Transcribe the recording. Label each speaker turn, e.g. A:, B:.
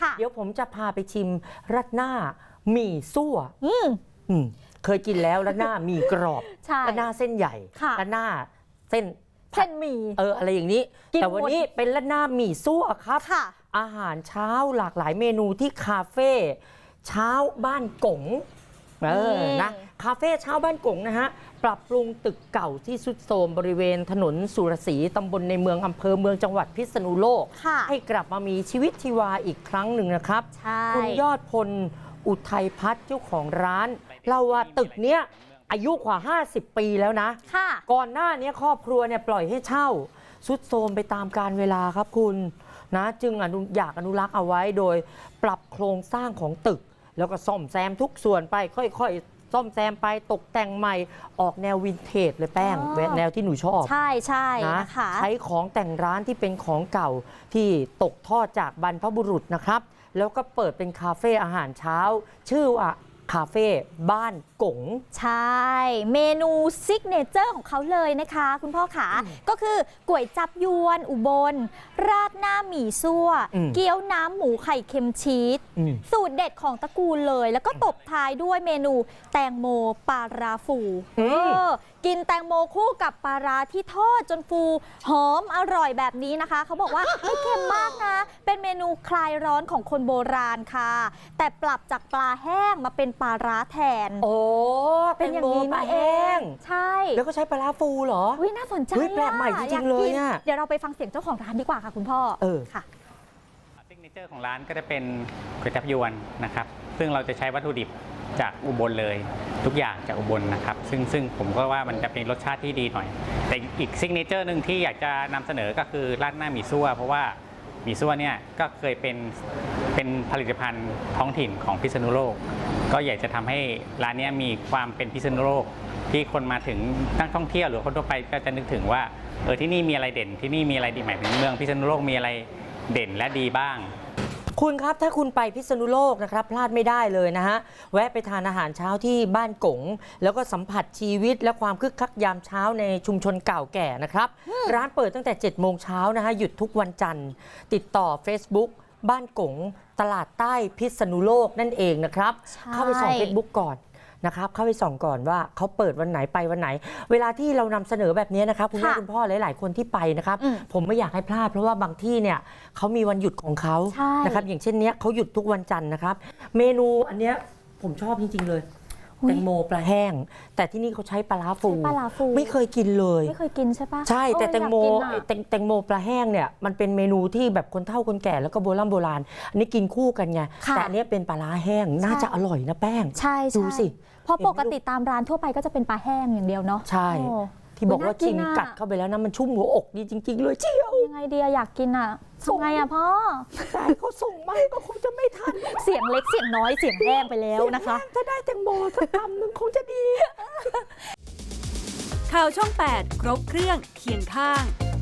A: เดี๋ยวผมจะพาไปชิมรัดหน้าหมี่ซั่วเคยกินแล้วรัดหน้าหมี่กรอบรัดหน้าเส้นใหญ่รัดหน้าเส้น
B: หมี่
A: อะไรอย่างนี้แต่วันนี้เป็นรัดหน้าหมี่ซั่วครับอาหารเช้าหลากหลายเมนูที่คาเฟ่เช้าบ้านกงนะคาเฟ่เช้าบ้านกงนะฮะปรับปรุงตึกเก่าที่ทรุดโทรมบริเวณถนนสุรศรีตำบลในเมืองอำเภอเมืองจังหวัดพิษณุโลกให้กลับมามีชีวิตชีวาอีกครั้งหนึ่งนะครับคุณยอดพลอุทัยพัฒน์เจ้าของร้านเล่าว่าตึกเนี้ยอายุกว่า50 ปีแล้วนะก่อนหน้านี้ครอบครัวเนี่ยปล่อยให้เช่าทรุดโทรมไปตามกาลเวลาครับคุณนะจึงอยากอนุรักษ์เอาไว้โดยปรับโครงสร้างของตึกแล้วก็ซ่อมแซมทุกส่วนไปค่อยๆซ่อมแซมไปตกแต่งใหม่ออกแนววินเทจเลยแป้งแนวที่หนูชอบ
B: ใช่นะคะ
A: ใช้ของแต่งร้านที่เป็นของเก่าที่ตกทอดจากบรรพบุรุษนะครับแล้วก็เปิดเป็นคาเฟ่อาหารเช้าชื่อว่าคาเฟ่บ้านกง
B: ใช่เมนูซิกเนเจอร์ของเขาเลยนะคะคุณพ่อขาก็คือก๋วยจับยวนอุบลราดหน้าหมี่ซั่วเกี๊ยวน้ำหมูไข่เค็มชีสสูตรเด็ดของตระกูลเลยแล้วก็ตบท้ายด้วยเมนูแตงโมปลาราฟูกินแตงโมคู่กับปลาราที่ทอดจนฟูหอมอร่อยแบบนี้นะคะเขาบอกว่าไม่เค็มมากนะเป็นเมนูคลายร้อนของคนโบราณค่ะแต่ปรับจากปลาแห้งมาเป็นปลาร้าแทน
A: เป็นอย่างนี้ปลาแห้ง
B: ใช่
A: แล้วก็ใช้ปลาร้าฟูเหรอ
B: น่าสนใจ
A: แปลกใหม่จริงๆเลยเนี่ย
B: เดี๋ยวเราไปฟังเสียงเจ้าของร้านดีกว่าค่ะคุณพ่อ
A: ค่ะ
C: ซิกเนเจอร์ของร้านก็จะเป็นก๋วยจั๊บยวนนะครับซึ่งเราจะใช้วัตถุดิบจากอุบลเลยทุกอย่างจากอุบลนะครับซึ่งผมก็ว่ามันจะเป็นรสชาติที่ดีหน่อยแต่อีกซิกเนเจอร์หนึ่งที่อยากจะนำเสนอก็คือราดหน้าหมี่ซั่วเพราะว่าหมี่ซั่วเนี่ยก็เคยเป็นผลิตภัณฑ์ท้องถิ่นของพิษณุโลกก็อยากจะทำให้ร้านนี้มีความเป็นพิษณุโลกที่คนมาถึงนักท่องเที่ยวหรือคนทั่วไปก็จะนึกถึงว่าที่นี่มีอะไรเด่นที่นี่มีอะไรดีหมายถึงเมืองพิษณุโลกมีอะไรเด่นและดีบ้าง
A: คุณครับถ้าคุณไปพิษณุโลกนะครับพลาดไม่ได้เลยนะฮะแวะไปทานอาหารเช้าที่บ้านกงแล้วก็สัมผัสชีวิตและความคึกคักยามเช้าในชุมชนเก่าแก่นะครับร้านเปิดตั้งแต่7 โมงเช้านะฮะหยุดทุกวันจันทร์ติดต่อ Facebook บ้านกงตลาดใต้พิษณุโลกนั่นเองนะครับเข้าไปส่อง Facebook ก่อนนะครับเข้าไปส่องก่อนว่าเขาเปิดวันไหนไปวันไหนเวลาที่เรานำเสนอแบบนี้นะครับคุณแม่คุณพ่อหลายๆคนที่ไปนะครับผมไม่อยากให้พลาดเพราะว่าบางที่เนี่ยเขามีวันหยุดของเขานะครับอย่างเช่นนี้เขาหยุดทุกวันจันทร์นะครับเมนูอันเนี้ยผมชอบจริงๆเลยแตงโมปลาแห้งแต่ที่นี่เขาใช้ปลาร้าฟูไม่เคยกินเลย
B: ไม่เคยกินใช่ปะ
A: ใช่แต่แตงโมปลาแห้งเนี่ยมันเป็นเมนูที่แบบคนเฒ่าคนแก่แล้วก็โบราณอันนี้กินคู่กันไงแต่อันนี้เป็นปลาร้าแห้งน่าจะอร่อยนะแป้งดูสิ
B: เพราะปกติตามร้านทั่วไปก็จะเป็นปลาแห้งอย่างเดียวเนาะ
A: ใช่ที่บอกว่ากินกัดเข้าไปแล้วนะมันชุ่มหัวอกดีจริงๆเลยเชียว
B: ยังไงดีอยากกินอ่ะทำไงอ่ะพ่อ
A: แต่เขาส่งมาก็คงจะไม่ทัน
B: เสียงเล็กเสียงน้อยเสียงแห้งไปแล้วนะคะ
A: ถ้าได้แตงโมสักคำนึงคงจะดี
D: ข่าวช่อง 8 ครบเครื่องเคียงข้าง